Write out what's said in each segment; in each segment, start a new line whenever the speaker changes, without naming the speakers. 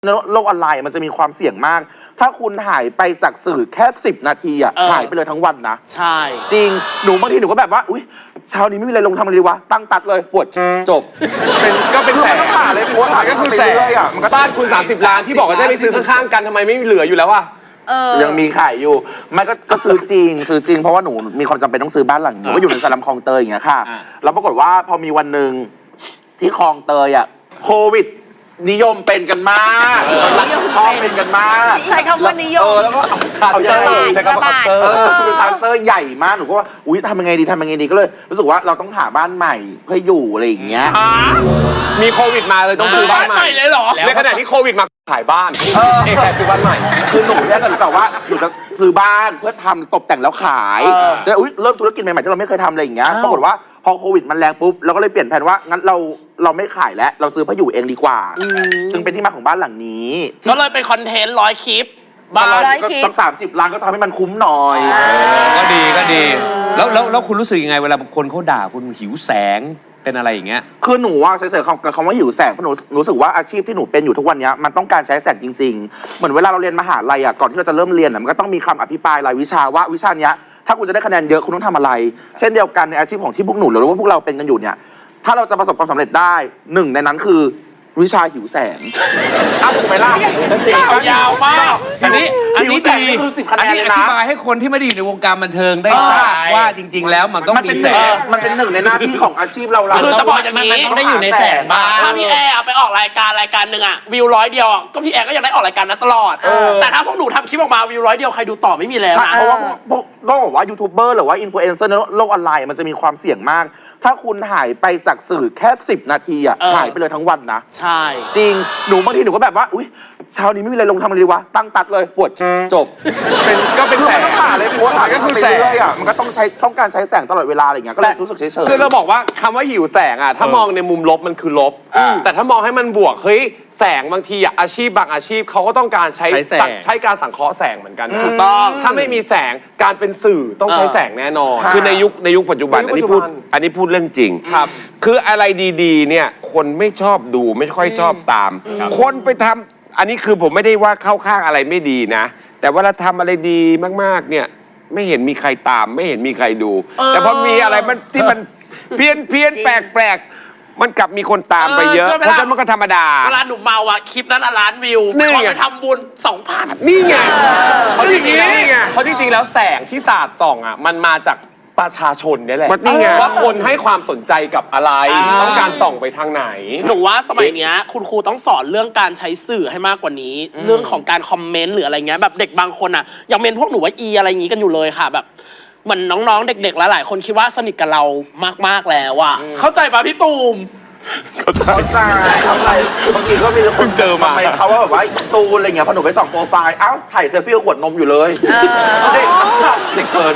โลกออนไลน์มันจะมีความเสี่ยงมาก ถ้าคุณหายไปจากสื่อแค่10 นาทีหายไปเลยทั้งวันนะ
ใช่
จริงหนูบางทีหนูก็แบบว่าอุ้ยเช้านี้ไม่มีอะไรลงทำอะไรดีวะตั้งตัดเลยปวดจบ
เป็นแสน
ต้องหาเลยโพส
ก็คือแสน
มันก็
บ้านคุณ30 ล้านที่บอกว่าจะไปซื้อข้างๆกันทำไมไม่เหลืออยู่แล้ววะ
ยังมีขายอยู่ไม่ก็ซื้อจริงเพราะว่าหนูมีความจำเป็นต้องซื้อบ้านหลังนี้ก็อยู่ในสลัมคลองเตยอย่างเงี้ยค่ะแล้วปรากฏว่าพอมีวันหนึ่งที่คลองเตยโควิดนิยมเป็นกันมากชอบเป็นกันมาก
ใช้คำว่านิยม
แล้วก็เอาใช้คำว่าคัสเตอร์คือคัสเตอร์ใหญ่มากหนูก็ว่าอุ้ยทำยังไงดีก็เลยรู้สึกว่าเราต้องหาบ้านใหม่เพื่ออยู่อะไรอย่างเงี้ย
มีโควิดมาเลยต้องซื้อบ้านใหม่
เลยเหรอ
ในขณะที่โควิดมาขายบ้านแค่ซื้อบ้านใหม่
คือหนูเนี่ยก็แบบว่าหนูจะซื้อบ้านเพื่อทำตกแต่งแล้วขายจะเริ่มธุรกิจใหม่ๆที่เราไม่เคยทำอะไรอย่างเงี้ยปรากฏว่าพอโควิดมันแรงปุ๊บเราก็เลยเปลี่ยนแผนว่างั้นเราไม่ขายแล้วเราซื้อเพื่ออยู่เองดีกว่าจึงเป็นที่มาของบ้านหลังนี้
ก็เลยเป็นคอนเทนต์100 คลิป
บ้านก็ต้อง30 ล้านก็ทำให้มันคุ้มหน่อย
ก็ดีแล้วคุณรู้สึกยังไงเวลาคนเขาด่าคุณหิวแสงเป็นอะไรอย่างเงี้ย
คือหนูว่าใช้คำว่าหิวแสงเพราะหนูรู้สึกว่าอาชีพที่หนูเป็นอยู่ทุกวันนี้มันต้องการใช้แสงจริงๆเหมือนเวลาเราเรียนมหาลัยก่อนที่เราจะเริ่มเรียนมันก็ต้องมีคำอภิปรายรายวิชาว่าวิชาเนี้ยถ้าคุณจะได้คะแนนเยอะคุณต้องทำอะไรเช่นเดียวกันในอาชีพของที่พวกหนูหรือว่าพวกเราเป็นกันอยู่เนี่ยถ้าเราจะประสบความสำเร็จได้หนึ่งในนั้นคือวิชาหิวแสงถูกไหมล่ะ
ยาวมาก
อันนี้
ดีคือ10 คะแนนเลยนะ
อธิบายให้คนที่ไม่ได้อยู่ในวงการบันเทิงได้ทราบว่าจริงๆแล้วมันต้องมีแสง
มันเป็นหนึ่งในหน้าที่ของอาชีพเรา
คือจะบอกอย่างนี้
มันได้อยู่ในแสงบ้าง
ถ้าพี่แอร์ไปออกรายการหนึ่งวิว100 เดียวก็พี่แอร์ก็ยังได้ออกรายการนั้นตลอดแต่ถ้าพวกหนูทำคลิปออกมาวิว100 เดียวใครดูต่อไม่มีแล้ว
เพราะว่าพวกต้องบอกว่ายูทูบเบอร์หรือว่าอินฟลูเอนเซอร์ในโลกออนไลน์มันจะมีความเสี่ยงมากถ้าคุณหายไปจากสื่อแค่10 นาทีหายไปเลยทั้งวันนะ
ใช่
จริงหนูบางทีหนูก็แบบว่าอุ้ยเช้านี้ไม่มีอะไรลงทำอะไรดีวะตั้งตัดเลยปวดจบ
ก็เป็นแสน
ต้องหาเลยโพสก็คือแสงมันก็ต้องการใช้แสงตลอดเวลาอะไรอย่างเงี้ยก็เลยรู้สึกเฉย
ๆคือเราบอกว่าคำว่าหิวแสงถ้ามองในมุมลบมันคือลบแต่ถ้ามองให้มันบวกเฮ้ยแสงบางทีอาชีพบางอาชีพเขาก็ต้องการใช้การสังเคราะห์แสงเหมือนกัน
ถูกต้อง
ถ้าไม่มีแสงการเป็นสื่อต้องใช้แสงแน่นอน
คือในยุคปัจจุบันอันนี้พูดเรื่องจริง
ครับ
คืออะไรดีๆเนี่ยคนไม่ชอบดูไม่ค่อยชอบตามคนไปทำอันนี้คือผมไม่ได้ว่าเข้าข้างอะไรไม่ดีนะแต่เวลาทำอะไรดีมากๆเนี่ยไม่เห็นมีใครตามไม่เห็นมีใครดูแต่พอมีอะไรมันที่มันเพี้ยนแปลกมันกลับมีคนตามไปเยอะเพราะฉะนั้นมันก็ธรรมดา
เวลาหนูเมาคลิปนั้นล้านวิวพอไปทำบุญ 2,000
นี่ไงเขาจริงๆเพราะจริงๆแล้วแสงที่สาดส่องมันมาจากประชาชนนี่แหละว่าคนให้ความสนใจกับอะไรต้องการส่องไปทางไหน
หนูว่าสมัยนี้คุณครูต้องสอนเรื่องการใช้สื่อให้มากกว่านี้เรื่องของการคอมเมนต์หรืออะไรเงี้ยแบบเด็กบางคนยังเมนพวกหนูว่าอะไรอย่างงี้กันอยู่เลยค่ะแบบเหมือนน้องๆเด็กๆหลายๆคนคิดว่าสนิทกับเรามากๆแล้วเข้าใจป่ะพี่ตูม
เข้าใจบางทีก็มีคนเจอมาเขาว่าแบบว่าตูนอะไรเงี้ยพอหนูไปส่องโปรไฟล์ถ่ายเซลฟี่ขวดนมอยู่เลยเด็กเกิน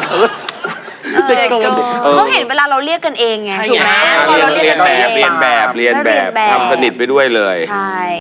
เขาเห็นเวลาเราเรียกกันเองไงถูกไหมพอเราเรียกกันเอง
เรียนแบบทำสนิทไปด้วยเลย
ใช่